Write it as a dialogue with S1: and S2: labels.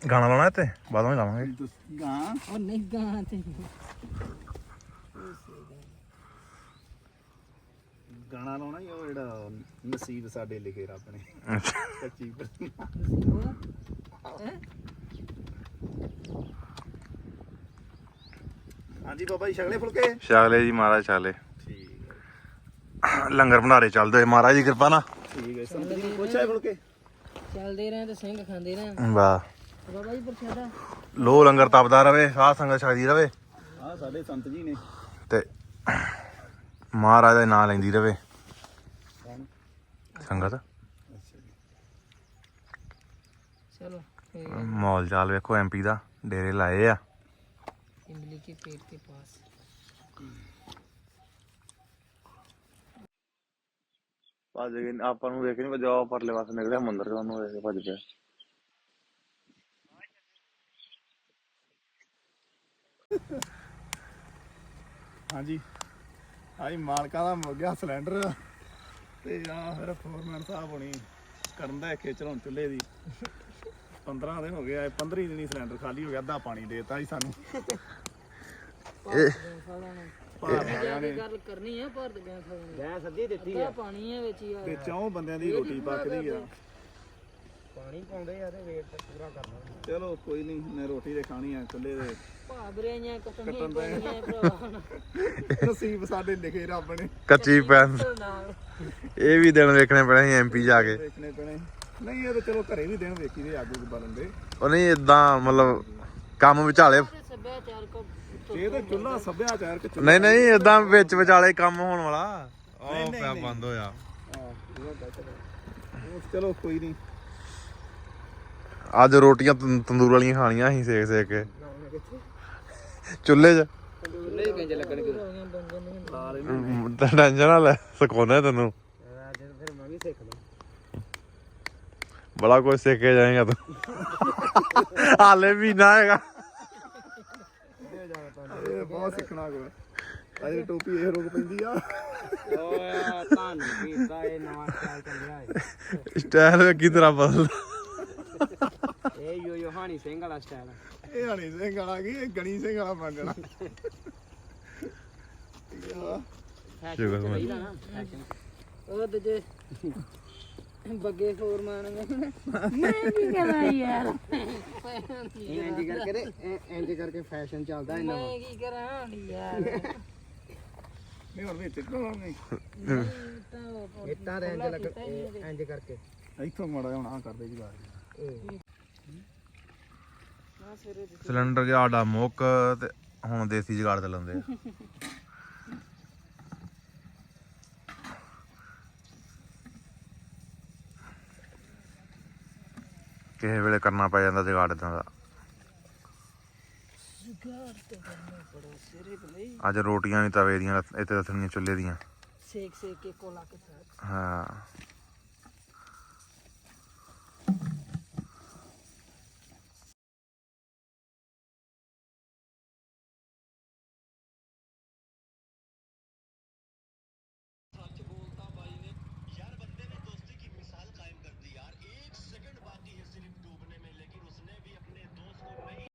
S1: ਗਾਣਾ ਲਾਉਣਾ ਇੱਥੇ ਬਾਅਦੋਂ ਹੀ ਲਾਵਾਂਗੇ
S2: ਗਾਂ
S3: ਉਹ ਨਹੀਂ ਗਾਂ ਤੇ
S2: ਗਾਣਾ ਲਾਉਣਾ ਹੀ ਉਹ ਜਿਹੜਾ ਨਸੀਬ ਸਾਡੇ ਲਿਖੇ ਰੱਬ ਨੇ ਕੱਚੀ ਹਾਂਜੀ ਬਾਬਾ ਜੀ ਛਕਲੇ ਫੁਲਕੇ
S1: ਛਕਲੇ ਜੀ ਮਹਾਰਾਜ ਛਕਲੇ
S2: ਠੀਕ
S1: ਲੰਗਰ ਭੰਡਾਰੇ ਚੱਲਦੇ ਹੋਏ ਮਹਾਰਾਜ ਦੀ ਕਿਰਪਾ ਨਾਲ
S2: ਠੀਕ ਹੈ ਸੰਤ ਜੀ ਪੁੱਛਿਆ ਫੁਲਕੇ
S3: ਚੱਲਦੇ ਰਹੇ ਤੇ ਸਿੰਘ ਖਾਂਦੇ ਰਹੇ
S1: ਵਾਹ
S3: ਬਾਬਾ ਜੀ ਪ੍ਰਸ਼ਾਦਾ
S1: ਲੋ ਲੰਗਰ ਤਪਦਾ ਰਵੇ ਸਾਧ ਸੰਗਤ ਛਕਦੀ ਰਵੇ
S2: ਆਹ ਸਾਡੇ ਸੰਤ ਜੀ ਨੇ
S1: ਤੇ ਮਹਾਰਾਜ ਦਾ ਨਾਂ ਲੈਂਦੀ ਰਵੇ ਸੰਗਤ।
S3: ਚਲੋ
S1: ਮੌਲ ਚਾਲ ਵੇਖੋ ਐਮਪੀ ਦਾ ਡੇਰੇ ਲਾਏ ਆ
S3: इमली के पेड़ के पास
S1: ਭੱਜ ਗਏ ਆਪਾਂ ਨੂੰ ਵੇਖ ਨਹੀਂ ਵਜਾ ਪਰਲੇ ਪਾਸੇ ਨਿਕਲਿਆ ਮੰਦਿਰ ਤੋਂ ਉਹਨੂੰ ਵੇਖ ਕੇ ਭੱਜ ਪਿਆ
S2: ਹਾਂਜੀ ਆਈ ਮਾਲਕਾਂ ਦਾ ਮੁੱਕ ਗਿਆ ਸਿਲੰਡਰ ਤੇ ਆ ਫਿਰ ਫੋਰਮੈਨ ਸਾਹਿਬ ਹੋਣੀ ਕਰਨ ਦਾ ਖੇਚਲ ਹੁਣ ਚੁੱਲ੍ਹੇ ਦੀ 15 ਦਿਨ ਹੋ ਗਏ 15 ਦਿਨ ਹੀ ਸਿਲੰਡਰ ਖਾਲੀ ਹੋ ਗਿਆ ਅੱਧਾ ਪਾਣੀ ਦੇਤਾ ਜੀ ਸਾਨੂੰ
S3: ਗੱਲ ਕਰਨੀ ਹੈ ਪਰ ਗੈਸ ਅੱਧੀ ਦਿੱਤੀ ਆ ਪਾਣੀ ਹੈ ਵਿੱਚ ਹੀ
S2: ਤੇ ਚੌਂ ਬੰਦਿਆਂ ਦੀ ਰੋਟੀ ਪੱਕਦੀ ਆ
S3: ਪਾਣੀ ਪਾਉਂਦੇ ਆ ਤੇ ਵੇਟ ਪੂਰਾ ਕਰਨਾ
S2: ਚਲੋ ਕੋਈ ਨਹੀਂ ਮੈਂ ਰੋਟੀ ਤੇ ਖਾਣੀ ਆ ਚੁੱਲ੍ਹੇ ਦੇ
S3: ਭਾਬਰਿਆਂ ਕੱਟਣੀਆਂ ਪੈਣੀਆਂ ਭਰਾਵਾ
S2: ਨਸੀਬ ਸਾਡੇ ਲਿਖੇ ਰੱਬ ਨੇ
S1: ਕੱਚੀ ਪੈਨ ਇਹ ਵੀ ਦਿਨ ਵੇਖਣੇ ਪੈਣੇ ਸੀ ਐਮਪੀ ਜਾ ਕੇ
S2: ਵੇਖਣੇ ਪੈਣੇ ਨਹੀਂ ਇਹ ਤਾਂ ਚਲੋ ਘਰੇ ਵੀ ਦਿਨ ਵੇਖੀ ਦੇ ਅੱਗ ਬਾਲਣ ਦੇ
S1: ਉਹ ਨਹੀਂ ਇਦਾਂ ਮਤਲਬ ਕੰਮ ਵਿਚਾਲੇ
S3: ਸੱਭਿਆਚਾਰਕ
S2: ਇਹ ਤਾਂ ਚੁੱਲ੍ਹਾ ਸੱਭਿਆਚਾਰਕ
S1: ਨਹੀਂ ਨਹੀਂ ਇਦਾਂ ਵਿੱਚ ਵਿਚਾਲੇ ਕੰਮ ਹੋਣ ਵਾਲਾ ਉਹ ਪਿਆ ਬੰਦ ਹੋਇਆ
S2: ਚਲੋ ਕੋਈ ਨਹੀਂ
S1: ਅੱਜ ਰੋਟੀਆਂ ਤੰਦੂਰ ਵਾਲੀਆਂ ਖਾਣੀਆਂ ਸੀ ਸੇਕ ਸੇਕ ਕੇ ਚੁੱਲ੍ਹੇ 'ਚ
S3: ਚੁੱਲ੍ਹੇ ਕਿੰਜ ਲੱਗਣਗੇ
S1: ਟੈਨਸ਼ਨ ਨਾ ਲੈ ਸਿਖਾਉਣਾ ਤੈਨੂੰ
S3: ਫਿਰ ਮੈਂ ਵੀ ਸਿੱਖ ਲਾਂ
S1: ਬੜਾ ਕੁਝ ਸਿੱਖ ਕੇ ਜਾਏਗਾ ਤੂੰ ਹਾਲੇ ਵੀ ਨਾ ਹੈਗਾ
S2: ਇਹ ਬਹੁਤ ਸਿੱਖਣਾ ਕੋ ਅਜੇ ਟੋਪੀ ਇਹ ਰੋਕ ਪੈਂਦੀ ਆ
S3: ਓਏ ਤੁਹਾਨੂੰ ਕੀਤਾ ਇਹ ਨਵਾਂ ਸਟਾਈਲ ਚੱਲਿਆ ਏ
S1: ਸਟਾਈਲ ਕੀ ਤਰ੍ਹਾਂ ਬਦਲਦਾ
S3: ਇਹ ਯੋ ਹਾਨੀ ਸਿੰਘ ਵਾਲਾ ਸਟਾਈਲ
S2: ਇਹ ਹਣੀ ਸਿੰਘ ਵਾਲਾ ਕੀ ਇਹ ਗਣੀ ਸਿੰਘ ਵਾਲਾ ਬਣ ਜਾਣਾ ਉਹ ਦੂਜੇ
S3: ਬੱਗੇ ਫੋਰਮਾਨ ਮੈਂ ਕੀ ਕਰਾਂ ਯਾਰ ਇੰਜ ਕਰਕੇ ਇੰਜ ਕਰਕੇ ਫੈਸ਼ਨ ਚੱਲਦਾ ਇਹਨਾਂ ਮੈਂ ਕੀ ਕਰਾਂ ਯਾਰ
S2: ਨਹੀਂ ਹੋਰ ਵਿੱਚ ਨਹੀਂ
S3: ਇੱਟਾਂ ਦੇ ਇੰਜ ਲੱਗ ਇੰਜ ਕਰਕੇ
S2: ਇੱਥੋਂ ਮਾੜਾ ਹੁਣ ਆ ਕਰਦੇ ਜੀ ਬਾਹਰ
S1: ਸਿਲੰਡਰ ਗਿਆ ਆਡਾ ਮੁੱਕ ਤੇ ਹੁਣ ਦੇਸੀ ਜੁਗਾੜ ਤੇ ਲਾਉਂਦੇ ਆ ਕਿਸੇ ਵੇਲੇ ਕਰਨਾ ਪੈ ਜਾਂਦਾ ਜੁਗਾੜ ਏਦਾਂ ਦਾ ਅੱਜ ਰੋਟੀਆਂ ਵੀ ਤਵੇ ਦੀਆਂ ਇੱਥੇ ਰੱਖਣੀਆਂ ਚੁੱਲ੍ਹੇ ਦੀਆਂ
S3: ਸੇਕ ਕੇ ਕੋਲਾ ਕੇ ਸਾਥ
S1: ਹਾਂ